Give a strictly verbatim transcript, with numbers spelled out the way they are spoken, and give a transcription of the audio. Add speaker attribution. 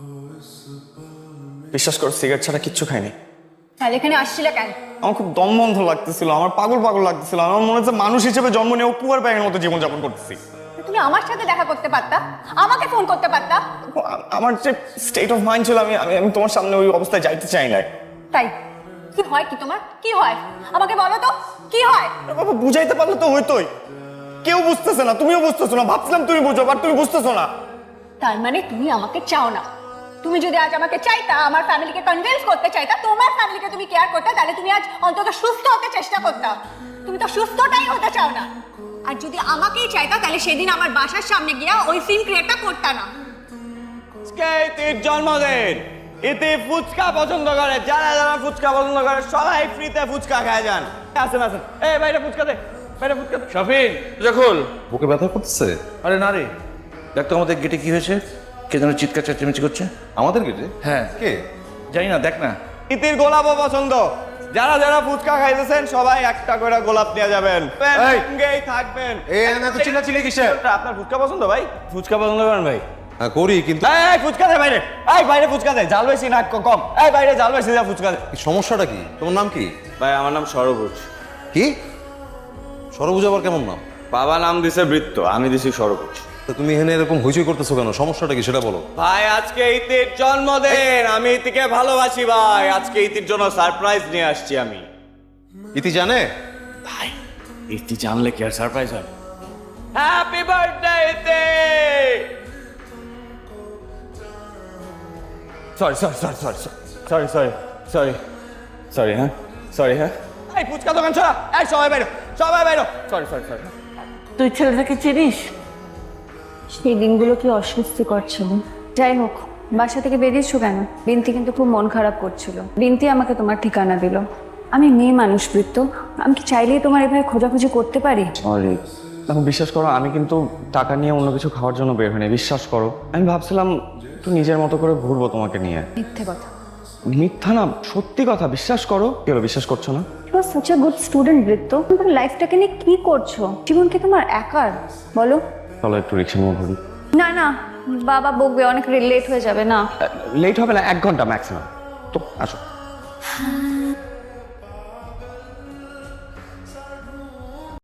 Speaker 1: বিশ্বাস করো সিগারেট ছাড়া কিচ্ছু খাইনি।
Speaker 2: তাহলে এখানে আসছিলে কেন?
Speaker 1: আমার খুব দম বন্ধ লাগতেছিল, আমার পাগল পাগল লাগতেছিল। আমার মনে হচ্ছে মানুষ হিসেবে জন্ম নিয়েও কুয়ার ব্যাঙের মতো জীবনযাপন করতেছি।
Speaker 2: তুমি আমার সাথে দেখা করতে পারতা, আমাকে ফোন করতে পারতা।
Speaker 1: আ- আমার যে স্টেট অফ মাইন্ড ছিল, আমি আমি আমি তোমার সামনে ওই অবস্থায় যাইতে চাই না।
Speaker 2: তাই কি হয়? কি তোমার কি হয় আমাকে বলো তো, কি হয়?
Speaker 1: বাবা বুঝাইতে পারলে তো হইতোই। কেউ বুঝতেছে না, তুমিও বুঝতেছো না। ভাবছিলাম তুমি বুঝো, বাট তুমি বুঝতেছো না।
Speaker 2: তার মানে তুমি আমাকে চাও না। তুমি যদি আজ আমাকে চাইতা, আমার ফ্যামিলিকে কনভিন্স করতে চাইতা, তোমার ফ্যামিলিকে তুমি কেয়ার করতে, তাহলে তুমি আজ অন্তত সুস্থ হতে চেষ্টা করতা। তুমি তো সুস্থটাই হতে চাও না। আর যদি আমাকেই চাইতা, তাহলে সেদিন আমার বাসার সামনে গিয়া ওই সিন ক্রিয়েটটা করতা না।
Speaker 3: ইতির জন্মদিন। ইতি ফুচকা পছন্দ করে, যারা যারা ফুচকা পছন্দ করে সবাই ফ্রিতে ফুচকা খায় যান। আসেন আসেন, এই বাইরে ফুচকা দে, বাইরে ফুচকা দে।
Speaker 4: শফিন যখন
Speaker 5: বুকে ব্যথা করতেছে?
Speaker 4: আরে না রে, দেখ তো আমাদের গেটে কি হয়েছে, কে যেন চিৎকার চেঁচামেচি করছে।
Speaker 5: আমাদের গেটে?
Speaker 4: হ্যাঁ
Speaker 5: কে?
Speaker 4: জানি না, দেখ না।
Speaker 3: ইতির গোলাপও পছন্দ। যারা যারা ফুচকা খাইতেছেন সবাই একটা করে গোলাপ নিয়ে যাবেন।
Speaker 5: এই!
Speaker 3: সঙ্গেই থাকবেন।
Speaker 5: এই না তো চিল্লাচিল্লি কিসের?
Speaker 3: আপনার ফুচকা পছন্দ ভাই? ফুচকা পছন্দ করেন ভাই?
Speaker 5: হ্যাঁ করি, কিন্তু
Speaker 3: এই, এই ফুচকা দে বাইরে, এই বাইরে ফুচকা দে, জাল বেশি না ক- কম। এই বাইরে জাল বেশি যা ফুচকা দে।
Speaker 5: কি সমস্যাটা কি? তোমার নাম কি?
Speaker 3: ভাই আমার নাম সরবুজ।
Speaker 5: কি সরবুজ আবার কেমন নাম?
Speaker 3: বাবা নাম দিছে বৃত্ত, আমি দিছি সরবুজ।
Speaker 5: তো তুমি এখানে এরকম হইচই করতেছো কেন? সমস্যাটা কি সেটা বলো।
Speaker 3: ভাই আজকে ইতির জন্মদিন, আমি ইতিকে ভালোবাসি ভাই। আজকে ইতির জন্য সারপ্রাইজ নিয়ে আসছি আমি।
Speaker 5: ইতি জানে?
Speaker 3: ভাই ইতি জানলে কি আর সারপ্রাইজ হবে? Happy birthday Iti! Sorry sorry sorry sorry sorry sorry sorry sorry হ্যাঁ সরি হ্যাঁ এই ফুচকা দোকান ছড়া, এই সবাই বাইরো, সবাই বাইরো। সরি সরি সরি
Speaker 6: তুই ছেলেটাকে চিনিস?
Speaker 2: সেই দিনগুলো কি অস্বস্তিকর ছিল। যাই হোক, বাসা থেকে বেরিয়েছো কেন? বিনতি কিন্তু খুব মন খারাপ করছিল। বিনতি আমাকে তোমার ঠিকানা দিল। আমি মেয়ে মানুষ বৃত্ত, আমি কি চাইলেই তোমার এভাবে খোঁজাখুঁজি করতে পারি?
Speaker 1: সরি। এখন বিশ্বাস করো, আমি কিন্তু টাকা নিয়ে অন্য কিছু খাওয়ার জন্য বের হইনি। বিশ্বাস করো, আমি ভাবছিলাম একটু নিজের মতো করে ঘুরবো তোমাকে নিয়ে।
Speaker 2: মিথ্যে কথা।
Speaker 1: মিথ্যা না, সত্যি কথা। বিশ্বাস করো। কি হলো, বিশ্বাস করছো না?
Speaker 2: You are such a good student Britto. তোমার লাইফটাকে নিয়ে কি করছো? জীবন কি তোমার একার? বলো।
Speaker 1: চলো একটু রিক্সা নিয়ে ঘুরি।
Speaker 2: না না, বাবা বকবে, অনেক লেট হয়ে যাবে। না
Speaker 1: লেট হবে না, এক ঘন্টা ম্যাক্সিমাম। তো আসো।